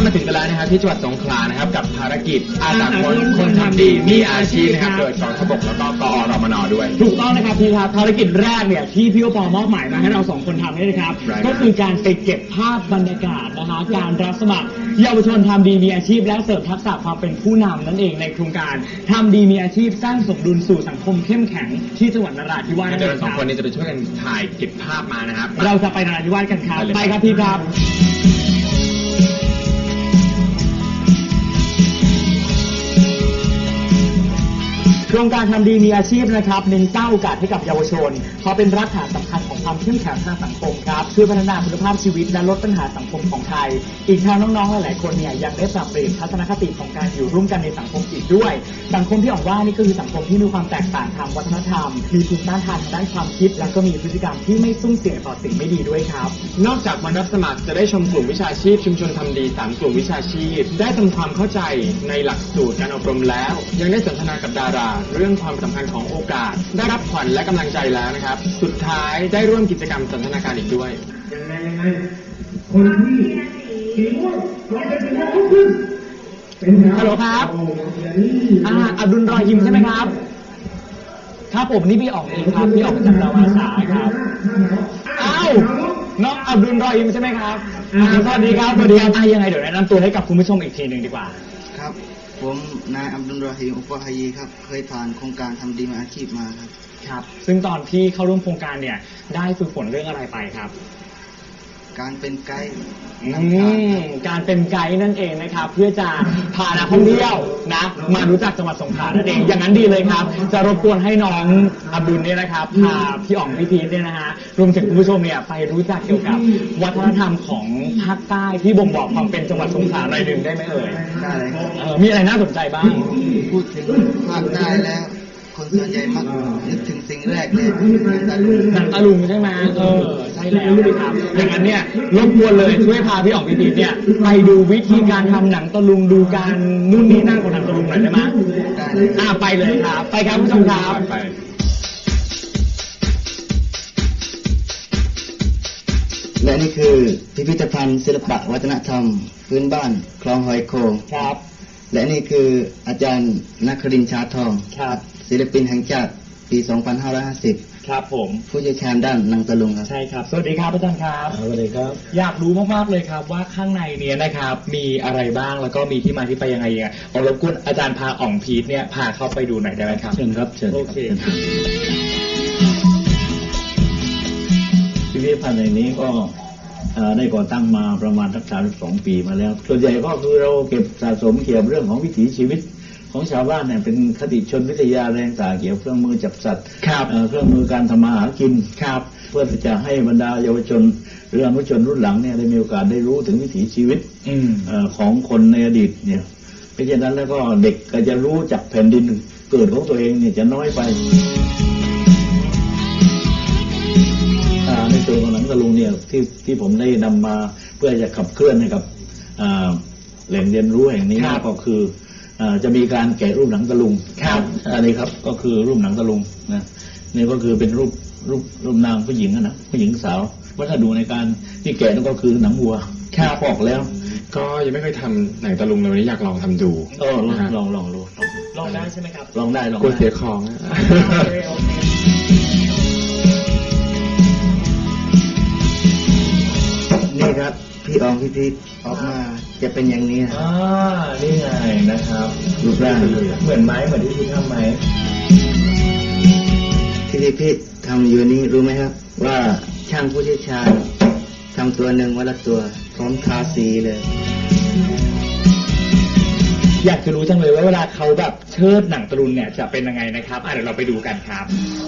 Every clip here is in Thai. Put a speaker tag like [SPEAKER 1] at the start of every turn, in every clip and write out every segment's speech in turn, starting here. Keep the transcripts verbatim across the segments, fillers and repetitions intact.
[SPEAKER 1] มาถึงกันแล้วนะครับที่จังหวัดสงขลานะครับกับภารกิจอาสาคนคนทำดีมีอาชีพนะครับโดยกองทัพบกแล้วก็กอรมนด้วย
[SPEAKER 2] ถูกต้องนะครับพี่ครับภารกิจแรกเนี่ยที่พี่โอปอมอบหมายมาให้เราสองคนทำนี่นะครับก็คือการไปเก็บภาพบรรยากาศนะคะการรับสมัครเยาวชนทำดีมีอาชีพและเสริมทักษะความเป็นผู้นำนั่นเองในโครงการทำดีมีอาชีพสร้างสมดุลสู่สังคมเข้มแข็งที่จังหวัดนราธิวาสนั่นเองครับ
[SPEAKER 1] เราสองคนนี้จะไปช่วยกันถ่ายเก็บภาพมานะครับ
[SPEAKER 2] เราจะไปนราธิวาสกันครับไปครับพี่ครับโครงการทำดีมีอาชีพนะครับเน้นสร้างโอกาสให้กับเยาวชนเพราะเป็นรากฐานสำคัญของความเข้มแข็งทางสังคมครับช่วยพัฒนาคุณภาพชีวิตและลดปัญหาสังคมของไทยอีกทางน้องๆหลายๆคนเนี่ยยังได้ปรับเปลี่ยนทัศนคติของการอยู่ร่วมกันในสังคมอีกด้วยสังคมที่ออกว่านี่ก็คือสังคมที่มีความแตกต่างทางวัฒนธรรมมีภูมิต้านทานทางด้านความคิดและก็มีพฤติกรรมที่ไม่ซุ่มเสี่ยงต่อสิ่งไม่ดีด้วยครับ
[SPEAKER 1] นอกจากวันรับสมัครจะได้ชมกลุ่มวิชาชีพชุมชนทำดีสามกลุ่มวิชาชีพได้ทำความเข้าใจในหลักสูตรการอบรมแล้วยังได้สนทนากับดาราเรื่องความสำคัญของโอกาสได้รับขวัญและกำลังใจแล้วนะครับสุดท้ายได้ร่วมกิจกรรมสันทนาการอีกด้วย
[SPEAKER 3] ยังไงยังไงคนที่สีม่วงเราเป็นสีม่วงทุกขึ้นเป็น
[SPEAKER 2] ฮัลโหลครับอ่าอับดุลรอฮิมใช่ไหมครับครับผมนี่พี่ออกเองครับพี่ออกจากดาวอาสาครับอ้าวน้องอับดุลรอฮิมใช่ไหมครับอ่าสวัสดีครับสวัสดีครับอ่ายังไงเดี๋ยวแนะนำตัวให้กับคุณผู้ชมอีกทีหนึ่งดีกว่า
[SPEAKER 4] ครับผมนายอับดุลรอฮีมอุปฮายีครับเคยผ่านโครงการทำดีมีอาชีพมาครับ
[SPEAKER 2] ครับซึ่งตอนที่เข้าร่วมโครงการเนี่ยได้ฝึกฝนเรื่องอะไรไปครับ
[SPEAKER 4] การเป็นไกด์
[SPEAKER 2] การเป็นไกด์นั่นเองนะครับเพื่อจะพานักท่องเที่ยวนะมารู้จักจังหวัดสงขลานั่นเองอย่างนั้นดีเลยครับจะรบกวนให้น้องอับดุลเนี่ยนะครับพาพี่อ๋องพี่พีทเนี่ยนะฮะรวมถึงคุณผู้ชมเนี่ยไปรู้จักเกี่ยวกับวัฒนธรรมของภาคใต้ที่บ่งบอกความเป็นจังหวัดสงขลาหน่อยหนึ่งได้ไหมเอ่ย
[SPEAKER 4] ได้เลยครับ
[SPEAKER 2] มีอะไรน่าสนใจบ้าง
[SPEAKER 4] พูดถึงภาคใต้แล้วคนส่วนใหญ่มักนึกถึงสิ่งแรกเลย
[SPEAKER 2] หนังตะลุงใช่ไหมเออใช่แล้วครับอย่างนั้นเนี่ยรบกวนเลยช่วยพาพี่อ๋องพี่พีทเนี่ยไปดูวิธีการทำหนังตะลุงดูการนู่นนี่นั่นของหนังตะลุงหน่อยได้ไหม
[SPEAKER 4] ได้เลย
[SPEAKER 2] อ่าไปเลยครับไปครับผู้ชมครับ
[SPEAKER 4] และนี่คือพิพิธภัณฑ์ศิลปะวัฒนธรรมพื้นบ้านคลองหอยโขง
[SPEAKER 2] ครับ
[SPEAKER 4] และนี่คืออาจารย์นครินทร์ชาทอง
[SPEAKER 2] ครับ
[SPEAKER 4] ศิลปินแห่งชาติปีสองพันห้าร้อยห้าสิบ
[SPEAKER 2] ครับผม
[SPEAKER 4] ผู้เชี่ยวชาญด้านหนังตะลุงครับ
[SPEAKER 2] ใช่ครับสวัสดีครับอาจารย์ครับ
[SPEAKER 4] สวัสดีครับ
[SPEAKER 2] อยากรู้มากๆเลยครับว่าข้างในเนี้ยนะครับมีอะไรบ้างแล้วก็มีที่มาที่ไปยังไงยังไงขอรบกวนอาจารย์พาอ๋องพีทเนี่ยพาเข้าไปดูหน่อยได้ไหมครับ
[SPEAKER 4] เชิญครับเชิญ
[SPEAKER 2] โอเค
[SPEAKER 5] พิพิธภัณฑ์ในนี้ก็ได้ก่อตั้งมาประมาณสักสามสิบสองปีมาแล้วส่วนใหญ่ก็คือเราเก็บสะสมเกี่ยวกับเรื่องของวิถีชีวิตของชาวบ้านเนี่ยเป็นคติชนวิทยาแรงต่างเกี่ยวกับเครื่องมือจับสัตว์เครื่องมือการทำมาหากิน
[SPEAKER 2] ครับ
[SPEAKER 5] เพื่อจะให้บรรดาเยาวชนหรืออนุชนรุ่นหลังเนี่ยได้มีโอกาสได้รู้ถึงวิถีชีวิตของคนในอดีตเนี่ยเพราะฉะนั้นแล้วก็เด็กก็จะรู้จักแผ่นดินเกิดของตัวเองเนี่ยจะน้อยไปในส่วนของหนังตะลุงเนี่ยที่ที่ผมได้นำมาเพื่อจะขับเคลื่อนให้กับแหล่งเรียนรู้แห่งนี้ก็คือจะมีการแกะรูปหนังตะลุงอันนี้ครับก็คือรูปหนังตะลุงนะนี่ก็คือเป็นรูปรูปรูปนางผู้หญิงนะผู้หญิงสาววัสดุในการที่แกะนั่นก็คือหนังวัวพอกแล้ว
[SPEAKER 1] ก็ยังไม่เคยทำหนังตะลุงเลยวันนี้อยากลองทำดู
[SPEAKER 5] เออลองลองลองดู
[SPEAKER 2] ลองได้ใช่ไหมครับ
[SPEAKER 5] ลองได้ลอง
[SPEAKER 1] กลัวเสียของ
[SPEAKER 4] นี่ครับพี่อองพี่พีทออกมาจะเป็นอย่างนี้นะ
[SPEAKER 2] อ่านี่ไงนะครับ
[SPEAKER 5] รูปร่าง
[SPEAKER 2] เหมือนไม้เหมือนที่พี่ทำไหม
[SPEAKER 4] ที่พี่พีททำอยู่นี้รู้ไหมครับว่าช่างผู้เชี่ยวชาญทำตัวหนึ่งวันละตัวพร้อมทาสีเลย
[SPEAKER 2] อยากจะรู้จังเลยว่าเวลาเขาแบบเชิดหนังตะลุงเนี่ยจะเป็นยังไงนะครับอ่ะเดี๋ยวเราไปดูกันครับ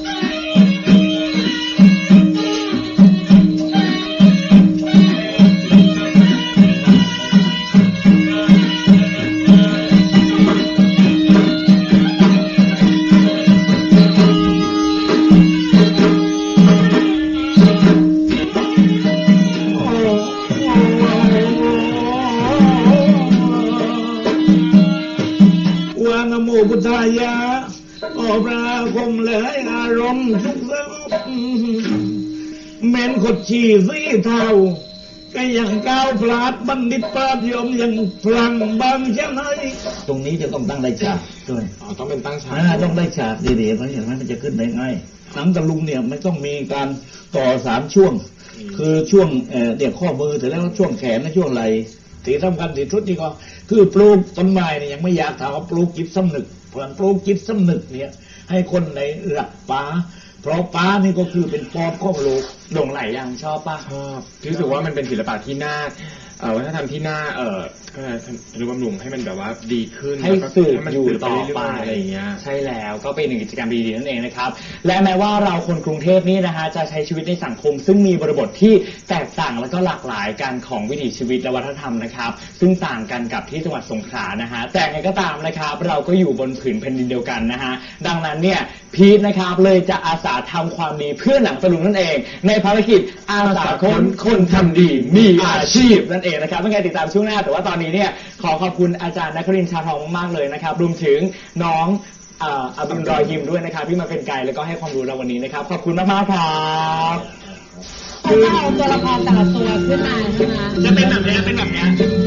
[SPEAKER 5] พุทธายะออกราคมเลยอารมณ์ทุกข์เม้นขดฉี่สีเทาก็ยังก้าวพลาดบัณฑิตปราดยมยังพลังบางเช่นไหนตรงนี้จะต้องตั้งได้ฉากด้วย
[SPEAKER 1] อ๋อต้องเป็นตั้งฉาก
[SPEAKER 5] อ่าต้องได้ฉากดีๆเพราะอย่างนั้นมันจะขึ้นได้ง่ายหนังตะลุงเนี่ยไม่ต้องมีการต่อสามช่วง คือช่วงเอ่อเนี่ยข้อมือถึงแล้วช่วงแขนและช่วงไหล่ที่สำคัญที่สุดนี่ก็คือปลูกต้นไม้เนี่ยยังไม่อยากถามว่าปลูกจิตสำนึกเพราะปลูกจิตสำนึกเนี่ยให้คนในรักป่าเพราะป่านี่ก็คือเป็นปอดของโลก
[SPEAKER 2] หลงไหลยังชอบปะ
[SPEAKER 1] ชอบรู้สึกว่ามันเป็นศิลปะที่น่าเอ่อวัฒนธรรมที่น่าเอ่อก็รู้บำรุงให้มันแบบว่าดีขึ้น
[SPEAKER 2] ให้
[SPEAKER 1] แล้วก็
[SPEAKER 2] สืบ
[SPEAKER 1] ให้มัน
[SPEAKER 2] อยู่
[SPEAKER 1] สืบ
[SPEAKER 2] ต่อ
[SPEAKER 1] เรื่
[SPEAKER 2] ไป
[SPEAKER 1] ยๆอะไรอย่างเงี้ย
[SPEAKER 2] ใช่แล้วก็เป็นหนึ่งกิจกรรมดีๆนั่นเองนะครับและแม้ว่าเราคนกรุงเทพนี่นะฮะจะใช้ชีวิตในสังคม ซึ่งมีบริบทที่แตกต่างแล้วก็หลากหลายกันของวิถีชีวิตและวัฒนธรรมนะครับซึ่งต่างกันกับที่จังหวัดสงขลานะฮะแต่ไงก็ตามนะครับเราก็อยู่บนผืนแผ่นดินเดียวกันนะฮะดังนั้นเนี่ยพีทนะครับเลยจะอาสาทำความดีเพื่อหนังตะลุงนั่นเองในภารกิจอาสาคนคนทำดีมีอาชีพนั่นเองนะครับเป็นไงติดตามช่วงหน้าแต่ว่าตอนนี้เนี่ยขอขอบคุณอาจารย์นครินทร์ชาทองมากๆเลยนะครับรวมถึงน้องเอ่ออับดุลรอยฮิมด้วยนะครับที่มาเป็นไกด์แล้วก็ให้ความรู้เราวันนี้นะครับขอบคุณมากๆครับ
[SPEAKER 6] เขาจะเอาตัวละครแต่ละตัวขึ้นมาใช่ไหม
[SPEAKER 2] จะเป็นแบบนี้เป็นแบบนี้